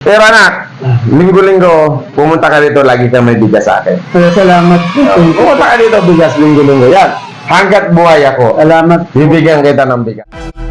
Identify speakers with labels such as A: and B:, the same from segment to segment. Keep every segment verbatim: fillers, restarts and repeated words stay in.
A: Pero anak, linggo-linggo, pumunta ka dito, lagi kang may bigas sa akin.
B: Kaya salamat po.
A: Uh, pumunta ka dito, bigas, linggo-linggo. Yan, hanggat buhay ako,
B: Salamat.
A: bibigyan kita ng bigas.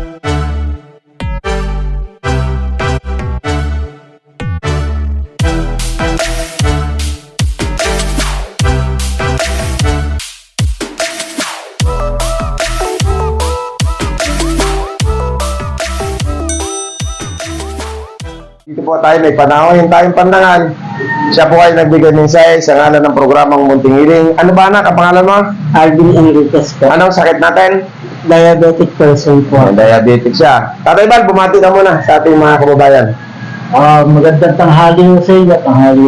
A: Dito po tayo, may panahon tayong pandangal. Siya po ay nagbigay mensahe sa ngalan ng programang Munting Hiling. Ano ba anak, ang pangalan mo?
B: Alvin Enriquez po.
A: Anong sakit natin?
B: Diabetic person po.
A: May diabetic siya. Tatay Bal, bumati ka muna sa ating mga kababayan.
B: Ah, magandang tanghali ho sa inyo. Tanghali.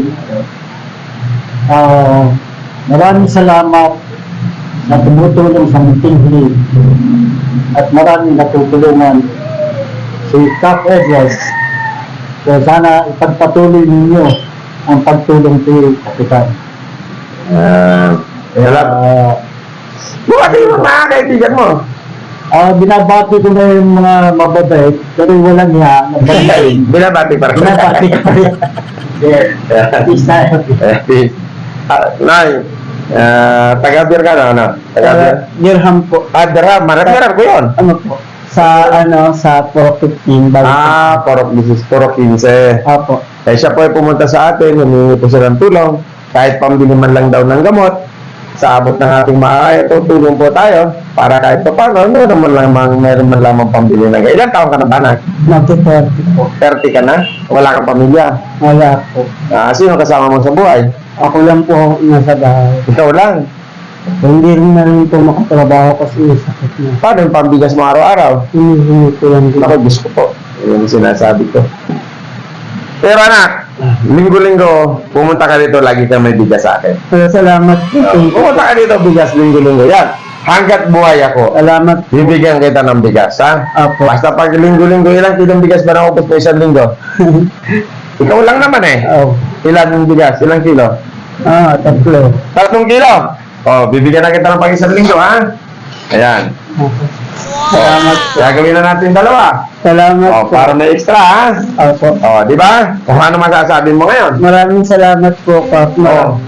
B: Ah, maraming salamat na tumutulong sa Munting Hiling. At maraming natutulungan si Cap Edwards. So sana ipagpatuloy ninyo ang pagtulong kay Kapitan.
A: Uh, Hello.
B: Ah,
A: Bumati mo mga kaibigan mo.
B: Ah, binabati ko na yung mga mababait, pero walang niya, nabalik.
A: Binabati pa rin.
B: Binabati ko rin. Yeah. Peace tayo.
A: Eh, peace. Ah, Nay, ah, taga-beer ka na, ano? Taga-beer?
B: Dirham po.
A: Ah, Dara, marap-marap ko yun.
B: Ano po? Sa ano, sa four fifteen.
A: Ah, Porok Bisis, Porok quince.
B: Apo.
A: Eh, siya po ay pumunta sa atin, humingi po siya ng tulong. Kahit pambili man lang daw ng gamot, sa abot ng ating maaaya, tutulong po tayo para kahit pa paano, meron man lamang, meron man lamang pambili ng gamot. Ilan taon ka na ba, anak?
B: ninety-thirty po.
A: thirty ka na? Wala kang pamilya?
B: Wala po.
A: Ah, sino kasama mo sa buhay?
B: Ako lang po nasa bahay.
A: Ikaw lang.
B: Hindi rin na rin po makatrabaho kasi may sakit na.
A: Paano yung pambigas mo araw-araw?
B: Hinihingi ko lang din.
A: Ako, gusto ko. Yun yung sinasabi ko. Pero anak, linggo-linggo, pumunta ka dito, lagi kang may bigas sa akin.
B: Kaya salamat po.
A: Uh, pumunta ka dito, bigas, linggo-linggo. Yan. Hanggat buhay ako,
B: Salamat po.
A: bibigyan kita ng bigas, ha?
B: Apo.
A: Basta pag linggo-linggo, ilang kilong bigas ba naubos mo isang linggo? Ikaw lang naman eh.
B: Oh.
A: Ilan yung bigas? Ilang kilo?
B: Ah, tatlo.
A: Tatlong kilo. Oh, bibigyan na kita ng pag isang linggo, ha? Ayan.
B: Salamat po.
A: Gagawin na natin dalawa.
B: Salamat
A: Oh,
B: po.
A: para may extra, ha?
B: Opo.
A: Oh, di ba? Kung ano masasabi mo ngayon?
B: Maraming salamat po, Kap.
A: Oh.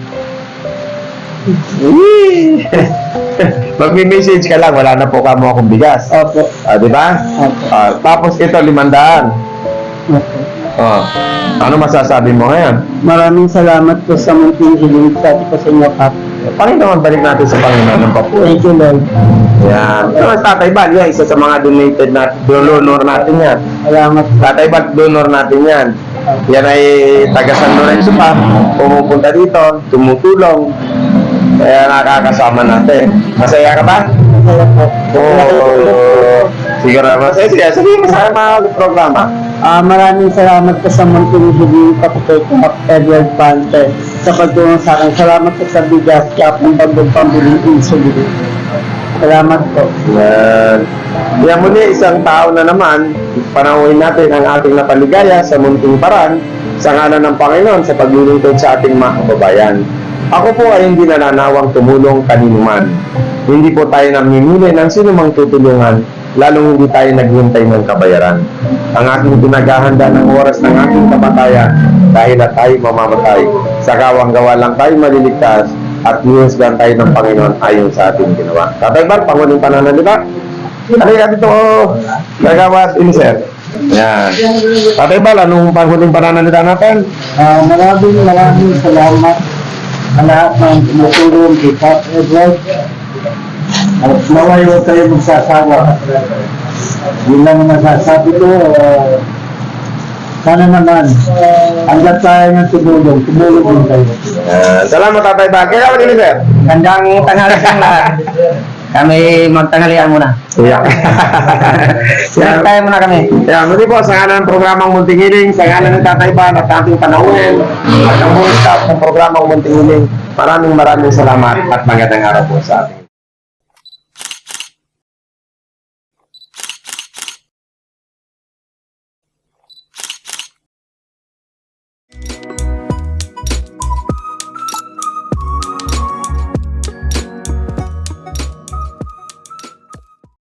A: Magmi-message ka lang, wala na po ka mo akong bigas.
B: Opo.
A: Ah, di ba?
B: Opo.
A: Ah, tapos ito, limandaan.
B: Opo.
A: Oh. Ano masasabi mo ngayon?
B: Maraming salamat po sa Munting Hiling. Sabi ko sa inyo, Kap.
A: Panginoon, balik natin sa Panginoon ng papuri.
B: Thank you, Lord.
A: Yan. Ito ang Tatay Bal, yan, isa sa mga donated na donor natin yan.
B: Salamat po.
A: Tatay Bal, donor natin yan. Yan ay taga San Lorenzo pa. Pumupunta dito, tumutulong. Kaya nakakasama natin. Masaya ka ba?
B: Salamat po.
A: Oo. Siguro naman. Eh, sige, sabihin mo sa mga programa.
B: Ah, maraming salamat po sa Munting Hiling, pati kay Kap Edward Pante sa pagtulong sa akin. Salamat po sa bigas, Kap, ng pagpapabiling insulin. Salamat po.
A: Yan. Yan muli, isang tao na naman, panahuin natin ang ating napaligaya sa munting paraan sa ngalan ng Panginoon sa paglilingkod sa ating mga kababayan. Ako po ay hindi nananawang tumulong kanino man. Hindi po tayo namimili ng sino mang tutulungan, lalong hindi tayo naghihintay ng kabayaran. Ang aking pinaghahanda ng oras ng aking kamatayan dahil na tayo mamamatay. Sa gawang gawa lang tayo maliligtas at hiusgan tayo ng Panginoon ayon sa ating ginawa. Tatay Bal, panguling pananalita. Halika dito, nagawat iniser. Yan. Tatay Bal, anong panghuling pananalita natin?
B: Ah, maraming maraming salamat sa lahat ng tumutulong kay Kap Edward. At naway huwag kayo magsasawa. Yun lang ang masasabi ko. Uh, sana naman, hanggat tayo ng tumulong, tumulong din kayo.
A: Uh, salamat Tatay Bal. Kaya ako iniser.
B: Gandang tanghali sa lahat. Kami magtanghalian muna.
A: Yeah.
B: Yan tayo muna kami.
A: Yan, muli po sa ngalan ng programang Munting Hiling, sa ngalan ng Tatay Bal at ating panahon at ang buong staff ng programang Munting Hiling. Maraming maraming salamat at magandang araw po sa ating